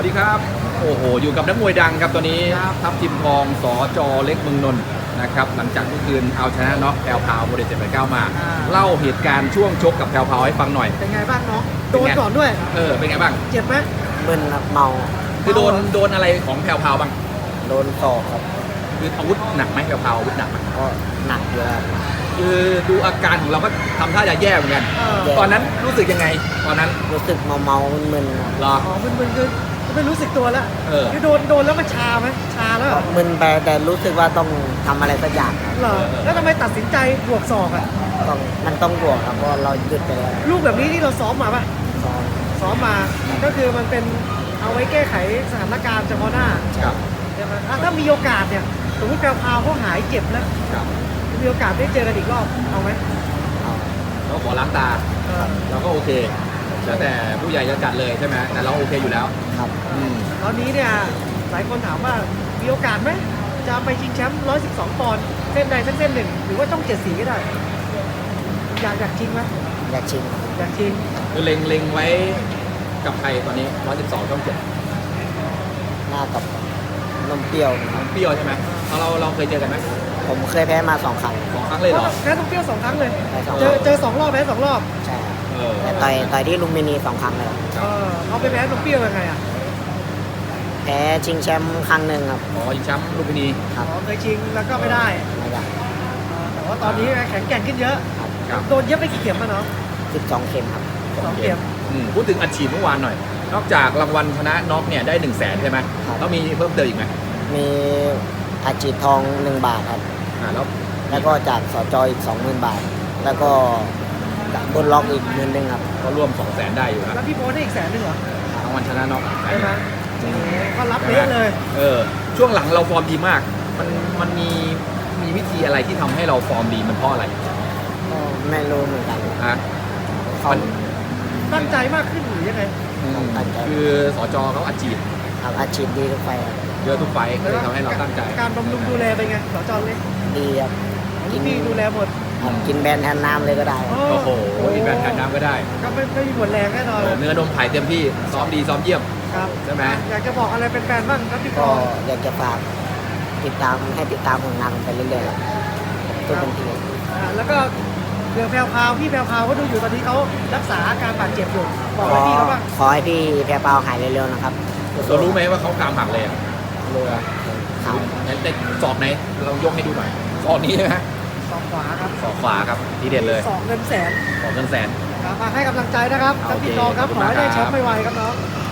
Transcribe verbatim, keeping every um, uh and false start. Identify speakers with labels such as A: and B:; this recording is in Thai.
A: วัสดีครับโอ้โหอยู่กับนักมวยดังครับตอนนี้ทัพทิมทองสจเล็กเมืองนนท์นะครับหลังจากเมื่อคืนเอาชนะน็อกแพรวพาวโมเดลเจ็ดแปดเก้ามาเล่าเหตุการณ์ช่วงชกกับแพรวพาวให้ฟังหน่อย
B: เป็นไงบ้างน้องโดนก่อนด้วย
A: เออเป็นไงบ้าง
B: เจ็บไหม
C: มึนเมา
A: คือโดนโดนอะไรของแพรวพาวบ้าง
C: โดนศอกครับ
A: คืออาวุธหนักไหมแพรวพาวอาวุธหนักไหม
C: ก็หนักอยู่ครับ
A: คือดูอาการของเราก็ทำท่าจะแย่เหมือนกันตอนนั้นรู้สึกยังไงตอนนั้น
C: รู้สึกเมาเมามึน
A: ๆหรอ
B: อ๋อมึนๆคือไม่รู้สึกตัวแล้วคือโดนโดนแล้วมันชาไหมชาแล้ว
C: มึนไปแต่รู้สึกว่าต้องทำอะไรสักอย่าง
B: เหรอแล้วทำไมตัดสินใจบวกศอกอ่ะ
C: ต้องมันต้องบวกครับเพราะเราหยุดไปแล้ว
B: ลูกแบบนี้ที่เราซ้อมมาป่ะ
C: ซ้อม
B: ซ้อมมาก็คือมันเป็นเอาไว้แก้ไขสถานการณ์เฉพาะหน้า
A: ครับ
B: ถ้ามีโอกาสเนี่ยสมมติแพรวพาวเขาหายเจ็บแล้วมีโอกาสได้เจอกันอีกรอบเอาไหม
A: เราขอล้างตาเราก็โอเคแล้วแต่ผู้ใหญ่จะจัดเลยใช่ไหมแต่เราโอเคอยู่แล้ว
C: ครับ
B: ตอนนี้เนี่ยหลายคนถามว่ามีโอกาสไหมจะไปชิงแชมป์หนึ่งร้อยสิบสองปอนด์เส้นใดทั้งเส้นหนึ่งหรือว่าต้องเจ็ดสีก็ได้อยากอยากชิงไหม
C: อยากชิง
B: อยากชิง
A: คือเล็งเล็งไว้กับใครตอนนี้หนึ่งร้อยสิบสองต้องเจ็ด
C: หน้ากับนมเปรี้ยวน
A: มเปรี้ยวใช่ไหมเราเราเคยเจอกันไหม
C: ผมเคยแพ้มาสองครั้ง
A: สองครั้งเลยเหรอ
B: แพ้นมเปรี้ยวสองครั้งเลยเจอเจอสองรอบแพ้สองรอบ
C: ใช่แต่ต่อยต่อยที่ลุมพินีสองครั้งเลย
B: เขาไปแพ้นมเปรี้ยวยังไงอ่ะ
C: แพ้ชิงแชมป์ครั้งหนึ่งครับ
A: อ๋อชิงแชมป์ลุมพินี
C: ครับ
B: เคยชิงแล้วก็ไม่ได้
C: ไม่ได้
B: แต่ว่าตอนนี้แข็งแกร่งขึ้นเยอะโดนเย็บไปกี่เข็มมาเนาะ
C: สิบสองเข็มครับ
B: สองเข็ม
A: พูดถึงอัดฉีดเมื่อวานหน่อยนอกจากรางวัลชนะน็อกเนี่ยได้หนึ่งแสนใช่ไหมแล้วมีเพิ่มเติมอีกไหม
C: มีอาชีพทองหนึ่งบาทครับ
A: อ่าแล้ว
C: แล้วก็จากสจอีกสองหมื่นบาทแล้วก็จากบนล็อกอีกหมื่นหนึ่งครับ
A: ก็รวมสองแสนได้อยู่นะ
B: แล้วพี่โบได้อีกแสนหนึ่งเหรอ
A: รางวัลชนะน็อก
B: ใช่ไหมก็รับเยอะเลย
A: เออช่วงหลังเราฟอร์มดีมากมันมันมีมีวิธีอะไรที่ทำให้เราฟอร์มดีมันเพราะอะไร
C: ก็ไม่รู้เหมือนกัน
A: ฮะ
B: มันตั้งใจมากขึ้นหรือยังไง
A: คือสจเขาอาชีพ
C: อาชีพดีทุกไฟ
A: เยอะทุกไฟก็เลยทำให้เราตั้งใจ
B: การบำรุงดูแลเป็นไงสจเล็ก
C: ดีครับ
B: กินดีดูแลหมด
C: กินแบนแทนน้ำเลยก็ได้
A: โอ้โหกินแบนแทนน้ำก็ได้
B: ก็ไม่ไม่มีหมดแรงแน่นอน
A: เนื้อนมไผ่เต็มที่ซ้อมดีซ้อมเยี่ยม
B: ครับ
A: ใช่ไหม
B: อยากจะบอกอะไรเป็นแฟนบ้างครับพี่
C: ก็อยากจะฝากติดตามให้ติดตามผลงานไปเรื่อยๆตัวเป็นที
B: แล้วก็เรื่องแพรวพาวพี่แพรวพาวก็ดูอยู่ตอนนี้เขารักษาอาการบาดเจ็บอยู่บอกให้พี่เขาบ้าง
C: ขอให้พี่แพรวพาวหายเร็วๆนะครับ
A: เรารู้ไหมว่าเขากรามหักเลยอ่ะ
C: รู้ครับ
A: แต่ศอกไหนเรายกให้ดูหน่อยศอกนี้ใช่ไหม
B: ศอกขวาครับ
A: ศอกขวาครับทีเด็ดเลย
B: ศอกเงินแสน
A: ศอกเงินแสน
B: ครับมาให้กำลังใจนะครับทั้งพี่น้องครับขอให้ได้แชมป์ไวๆครับน้อง